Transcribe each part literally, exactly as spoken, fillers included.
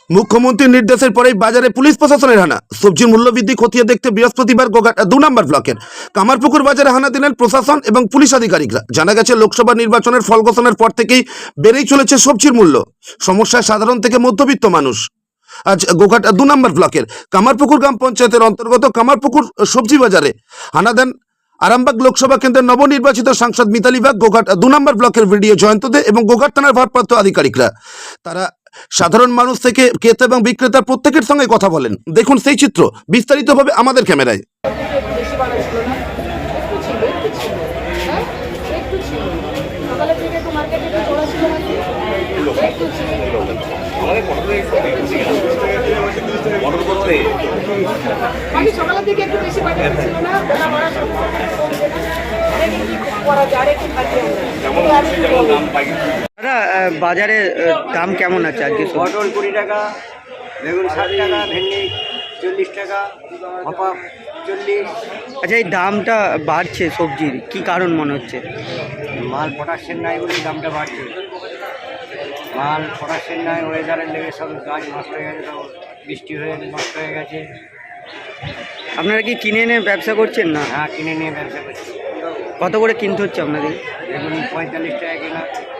মুখ্যমন্ত্রীর নির্দেশের পরেই বাজারে পুলিশ প্রশাসনের হানা। সবজির মূল্যবৃদ্ধি খতিয়ে দেখতে বৃহস্পতিবার গোঘাট দু নম্বর ব্লকের কামারপুকুর বাজারে হানা দিলেন প্রশাসন এবং পুলিশ আধিকারিকরা। জানা গেছে, লোকসভা নির্বাচনের ফল ঘোষণার পর থেকেই বেড়েই চলেছে সবজির মূল্য। সমস্যায় সাধারণ থেকে মধ্যবিত্ত মানুষ। আজ গোঘাট দু নম্বর ব্লকের কামারপুকুর গ্রাম পঞ্চায়েতের অন্তর্গত কামারপুকুর সবজি বাজারে হানা দেন আরামবাগ লোকসভা কেন্দ্রের নবনির্বাচিত সাংসদ মিতালি বাগ, গোঘাট দু নম্বর ব্লকের ভিডিও জয়ন্ত দে এবং গোঘাট থানার ভারপ্রাপ্ত আধিকারিকরা। তারা সাধারণ মানুষ থেকে ক্রেতা এবং বিক্রেতার প্রত্যেকের সঙ্গে কথা বলেন। দেখুন সেই চিত্র বিস্তারিতভাবে আমাদের ক্যামেরায়। আমি সকালের দিকে একটু বেশি বাজার ছিল না, বেলা বাড়ার সাথে সাথে কি করা যায় একটু খাচ্ছি দাদা, বাজারে দাম কেমন আছে আজকে? পটল কুড়ি টাকা, বেগুন ষাট টাকা, ভেন্ডি চল্লিশ টাকা, ভাপা চল্লিশ। আচ্ছা, এই দামটা বাড়ছে সবজির কি কারণ মনে হচ্ছে? মাল পটাশের নাই বলে দামটা বাড়ছে। মাল পটাশের নাই, ওয়েদারের লেগে সব গাছ নষ্ট হয়ে গেছে, তো বৃষ্টি হয়ে নষ্ট হয়ে গেছে। আপনারা কি কিনে এনে ব্যবসা করছেন না? হ্যাঁ, কিনে নিয়ে ব্যবসা করছি। কত করে কিনতে হচ্ছে আপনাদের? বেগুন পঁয়তাল্লিশ টাকা কেনা,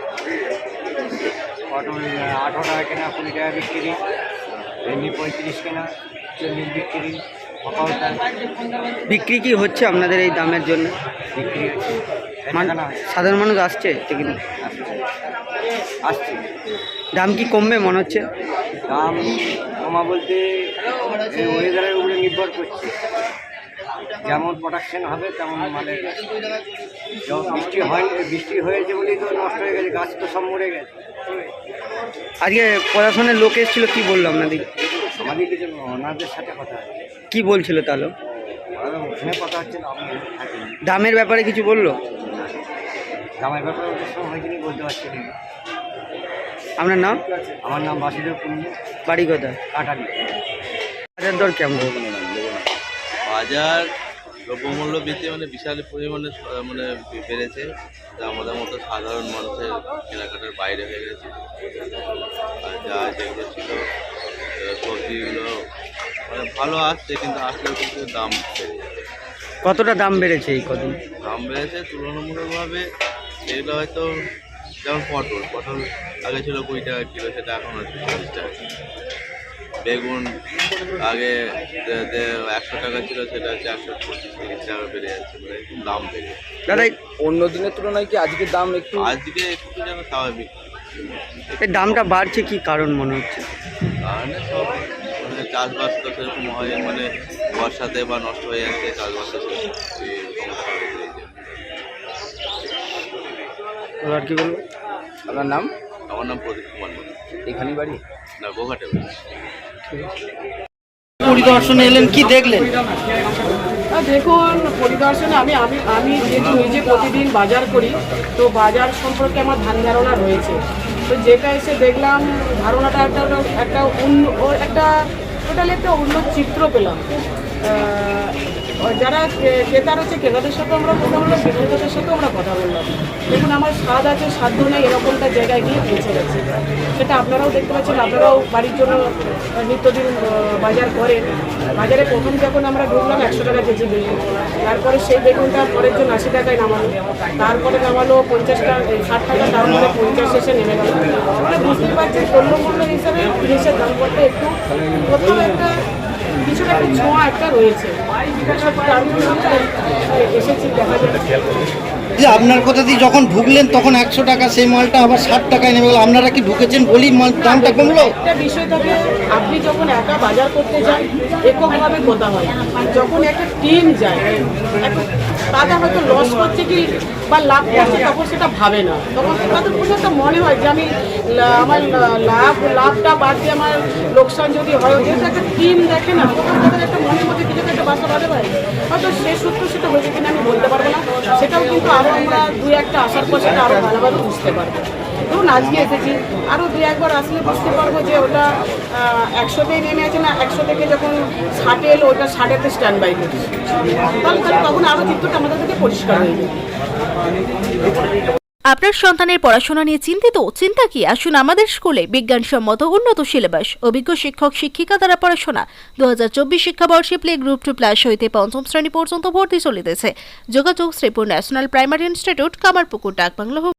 পটল আঠারো টাকা কেনা, কুড়ি টাকা বিক্রি, ভেন্ডি পঁয়ত্রিশ কেনা, চল্লিশ বিক্রি, ভাপাও তাই। বিক্রি কি হচ্ছে আপনাদের এই দামের জন্য? বিক্রি হচ্ছে, মান- কেনা হয়, সাধারণ মানুষ আসছে তো কিনে? আসছে। দাম কি কমবে মনে হচ্ছে? দাম কমা বলতে এই ওয়েদারের উপরে নির্ভর করছে। যেমন প্রোডাকশন হবে তেমন মালের। যখন বৃষ্টি হয়, বৃষ্টি হয়েছে বলেই তো নষ্ট হয়ে গেছে, গাছ তো সব মরে গেছে। আজকে প্রশাসনের লোক এসেছিল, কি বললো আপনাদের? আমাদের কিছু ওনাদের সাথে কথা আছে, কি বলছিল তাহলে? ওনারা ওখানে কথা হচ্ছে না, আমি থাকি। দামের ব্যাপারে কিছু বললো? দামের ব্যাপারে ওদের সঙ্গে হয়তো বলতে পারছি না। আপনার নাম? আমার নাম বাসুদেব কুন্ডু, বাড়ি কথা? কাটালি। বাজার দর কেমন? বাজার দ্রব্যমূল্য বৃদ্ধি মানে বিশাল পরিমাণে স- মানে বেড়েছে, যা আমাদের মতো সাধারণ মানুষের কেনাকাটার বাইরে হয়ে গেছে। আর যা যেগুলো ছিল আহ, সবজিগুলো মানে ভালো আসছে, কিন্তু আসলেও কিন্তু দাম বেড়ে যাচ্ছে। কতটা দাম বেড়েছে এই কদিন? দাম বেড়েছে তুলনামূলকভাবে। এগুলো হয়তো যেমন পটল পটল আগে ছিল কুড়ি টাকা কিলো, সেটা এখন হচ্ছে চল্লিশ টাকা কিলো। বেগুন আগে যে- যে একশো টাকা ছিল, সেটা হচ্ছে একশো পঁচিশ তিরিশ টাকা বেড়ে যাচ্ছে, মানে একটু দাম বেড়ে যাচ্ছে। দাদা, এই- অন্য দিনের তুলনায় কি আজকের দাম একটু আজকে একটু যেন স্বাভাবিক, এই দামটা বাড়ছে কি কারণ মনে হচ্ছে? কারণে সব মানে চাষবাস তো সেরকম হয়, মানে বর্ষাতে বা নষ্ট হয়ে যাচ্ছে চাষবাসের সমস্যা হয়েছে এই জন্য। আর কি বলবো? আপনার নাম? আমার নাম প্রদীপ কুমার মন্ডল, এখানেই বাড়ি? না গোঘাটে বাড়ি। পরিদর্শনে এলেন, কি দেখলেন? আর দেখুন, পরিদর্শনে আমি আমি আমি যেহেতু নিজে প্রতিদিন বাজার করি, তো বাজার সম্পর্কে আমার ধ্যান ধারণা রয়েছে। তো যেটা এসে দেখলাম, ধারণাটা একটা একটা অন্য ও একটা টোটালি একটা অন্য চিত্র পেলাম। আহ, যারা ক্রে- ক্রেতা রয়েছে, ক্রেতাদের সাথে আমরা কথা বললাম, বিক্রেতাদের সাথেও আমরা কথা বললাম। দেখুন, আমার স্বাদ আছে, সাধ্য নেই, এরকমটা জায়গায় গিয়ে পৌঁছে গেছে। সেটা আপনারাও দেখতে পাচ্ছেন, আপনারাও বাড়ির জন্য আহ, নিত্যদিন আহ, বাজার করেন। বাজারে প্রথম যখন আমরা ঢুকলাম একশো টাকা কেজি বেগুন, তারপরে সেই বেগুনটা পরের জন্য আশি টাকায় নামালো, তারপরে নামালো পঞ্চাশ টাকা ষাট টাকা, তারপরে পঞ্চাশ শেষে নেমে গেল। মানে বুঝতে পারছেন, দ্রব্যমূল্য হিসাবে জিনিসের দাম করতে একটু কোথাও একটা কিছুটা একটা ছোঁয়া একটা রয়েছে। তার জন্য এসেছি, দেখা যাচ্ছে। যে আপনার কথা দিয়ে যখন ঢুকলেন তখন একশো টাকা, সেই মালটা আবার ষাট টাকায় নেমে গেল। আপনারা কি ঢুকেছেন বলি মাল দামটা কমলো? একটা বিষয় থাকে, আপনি যখন একা বাজার করতে যান এককভাবে কথা হয়, যখন একটা টিম যায়, একটা তারা হয়তো লস করছে কি বা লাভ করছে, তখন সেটা ভাবে না। তখন তাদের কোনো একটা মনে হয় যে আমি লা- আমার লা- লাভ লাভটা বাদ দিয়ে আমার লোকসান যদি হয়, যেহেতু একটা টিম দেখে না, তখন তাদের একটা মনের মধ্যে কিছু একটা বাসা বাঁধে পারে। হয়তো সে সূত্র সেটা হয়েছে কিনা আমি বলতে পারবো না। সেটাও কিন্তু আরও আমরা দুই একটা আসার পর সেটা আরও ভালোভাবে বুঝতে পারবো। ধরুন আজকে এসেছি, আরও দুই একবার আসলে বুঝতে পারবো যে ওটা একশোতেই নেমে আছে না, একশো থেকে যখন ষাটে এলো ওটা ষাটেতে স্ট্যান্ড বাই করছে, তাহলে তাহলে তখন আরও চিত্রটা আমাদের কাছে পরিষ্কার হয়ে যাবে। আপনার সন্তানের পড়াশোনা নিয়ে চিন্তিত? চিন্তা কি, আসুন আমাদের স্কুলে। বিজ্ঞানসম্মত উন্নত সিলেবাস, অভিজ্ঞ শিক্ষক শিক্ষিকা দ্বারা পড়াশোনা। দু হাজার চব্বিশ শিক্ষাবর্ষে প্লে গ্রুপ টু প্লাস হইতে পঞ্চম শ্রেণী পর্যন্ত ভর্তি চলিতেছে। যোগাযোগ Sreepur national primary institute, Kamarpukur, ডাকবাংলা।